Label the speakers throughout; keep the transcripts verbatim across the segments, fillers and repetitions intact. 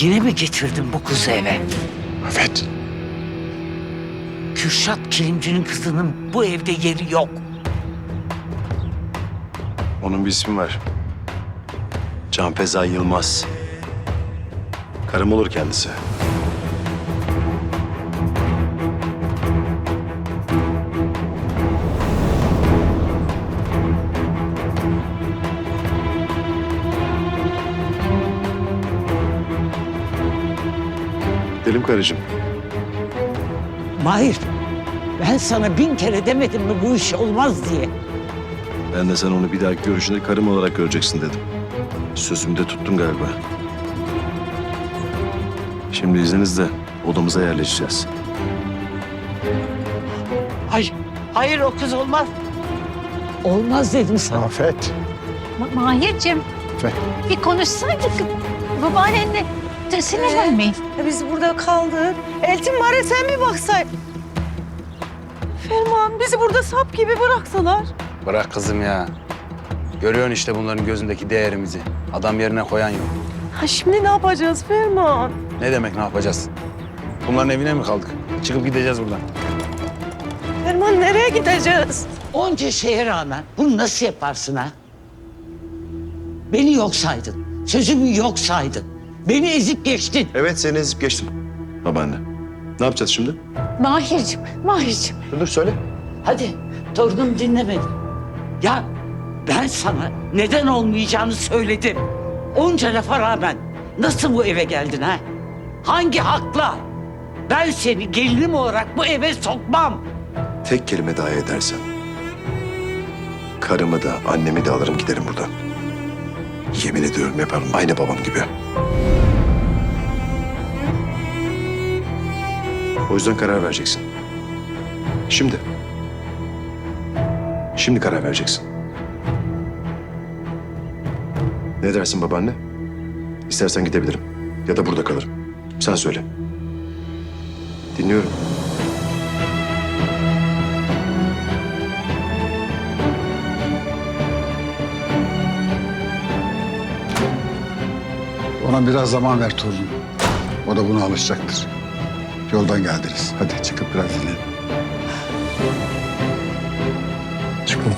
Speaker 1: Yine mi getirdin bu kızı eve?
Speaker 2: Evet.
Speaker 1: Kürşat Kilimci'nin kızının bu evde yeri yok.
Speaker 2: Onun bir ismi var. Canfeza Yılmaz. Karım olur kendisi. Gidelim karıcığım.
Speaker 1: Mahir, ben sana bin kere demedim mi bu iş olmaz diye.
Speaker 2: Ben de sana onu bir dahaki görüşünde karım olarak göreceksin dedim. Sözümü de tuttum galiba. Şimdi izninizle odamıza yerleşeceğiz.
Speaker 1: Hayır, hayır o kız olmaz. Olmaz dedim sana.
Speaker 2: Afet.
Speaker 3: Ma- Mahir'cim
Speaker 2: Afet.
Speaker 3: bir konuşsaydık babaannenle de sinirlenmeyin.
Speaker 4: E biz burada kaldık. Eltim var ya sen bir baksaydın. Ferman bizi burada sap gibi bıraksalar.
Speaker 5: Bırak kızım ya. Görüyorsun işte bunların gözündeki değerimizi. Adam yerine koyan yok.
Speaker 4: Ha şimdi ne yapacağız Ferman?
Speaker 5: Ne demek ne yapacağız? Bunların evine mi kaldık? Çıkıp gideceğiz buradan.
Speaker 4: Ferman nereye gideceğiz?
Speaker 1: Onca şeye rağmen bunu nasıl yaparsın ha? Beni yok saydın. Sözümü yok saydın. Beni ezip geçtin.
Speaker 2: Evet, seni ezip geçtim. Babaanne. Ne yapacağız şimdi?
Speaker 3: Mahir'cim, Mahir'cim.
Speaker 2: Dur, dur söyle.
Speaker 1: Hadi torunum dinlemedi. Ya ben sana neden olmayacağını söyledim. Onca lafa rağmen nasıl bu eve geldin ha? Hangi hakla? Ben seni gelinim olarak bu eve sokmam.
Speaker 2: Tek kelime daha edersen karımı da annemi de alırım giderim buradan. Yemin ediyorum yaparım aynı babam gibi. O yüzden karar vereceksin. Şimdi. Şimdi karar vereceksin. Ne dersin babaanne? İstersen gidebilirim. Ya da burada kalırım. Sen söyle. Dinliyorum.
Speaker 6: Ona biraz zaman ver torunum. O da buna alışacaktır. Yoldan geldiniz. Hadi çıkıp biraz dinlenin. Çıkın.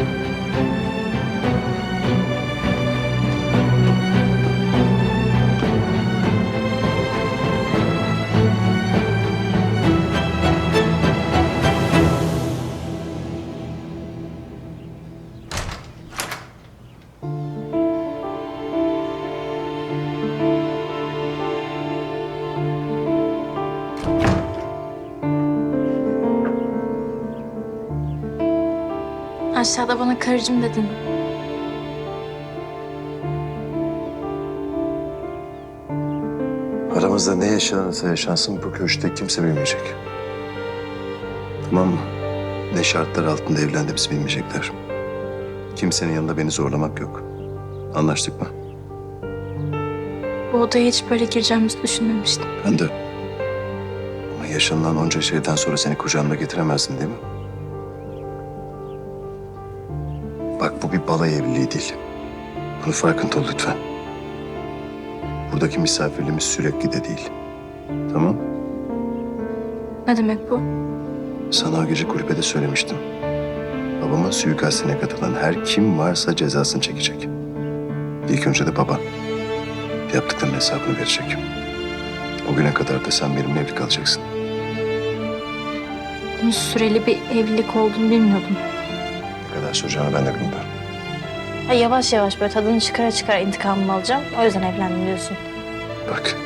Speaker 7: Aşağıda bana karıcığım dedin.
Speaker 2: Aramızda ne yaşanırsa yaşansın bu köşkte kimse bilmeyecek. Tamam mı? Ne şartlar altında evlendiğimizi bilmeyecekler. Kimsenin yanında beni zorlamak yok. Anlaştık mı?
Speaker 7: Bu odaya hiç böyle gireceğimizi düşünmemiştim.
Speaker 2: Ben de. Ama yaşanılan onca şeyden sonra seni kucağımda getiremezsin değil mi? Bak bu bir balayı evliliği değil. Bunun farkında ol lütfen. Buradaki misafirliğimiz sürekli de değil. Tamam?
Speaker 7: Ne demek bu?
Speaker 2: Sana o gece kulübede söylemiştim. Babamın suikastine katılan her kim varsa cezasını çekecek. İlk önce de baban. Yaptıklarının hesabını verecek. O güne kadar da sen benimle evli kalacaksın.
Speaker 7: Bunun süreli bir evlilik olduğunu bilmiyordum.
Speaker 2: Ne kadar süreceğini ben de bilmiyorum.
Speaker 7: Ha, yavaş yavaş böyle tadını çıkara çıkara intikamımı alacağım. O yüzden evlendim diyorsun.
Speaker 2: Bak.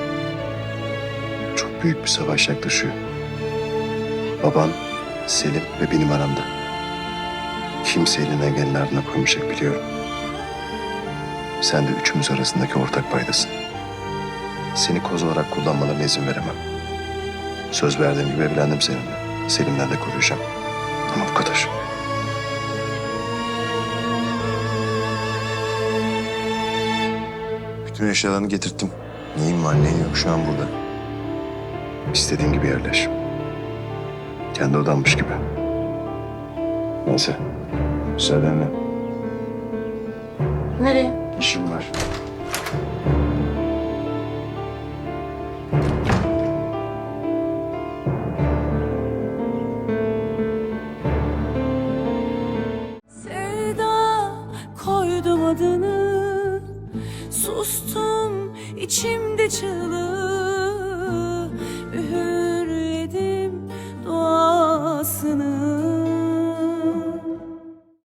Speaker 2: Çok büyük bir savaş yaklaşıyor. Baban, Selim ve benim aramda. Kimse elini engelin ardına koymayacak biliyorum. Sen de üçümüz arasındaki ortak paydasın. Seni koz olarak kullanmalarına izin veremem. Söz verdiğim gibi evlendim seninle. Selim'den de koruyacağım. Ama bu kadar. Bütün eşyalarını getirttim. Neyim var neyim yok şu an burada. İstediğin gibi yerleş. Kendi odanmış gibi. Neyse. Müsaadenle.
Speaker 7: Nereye?
Speaker 2: İşim var.
Speaker 8: Sustum içimde çığlık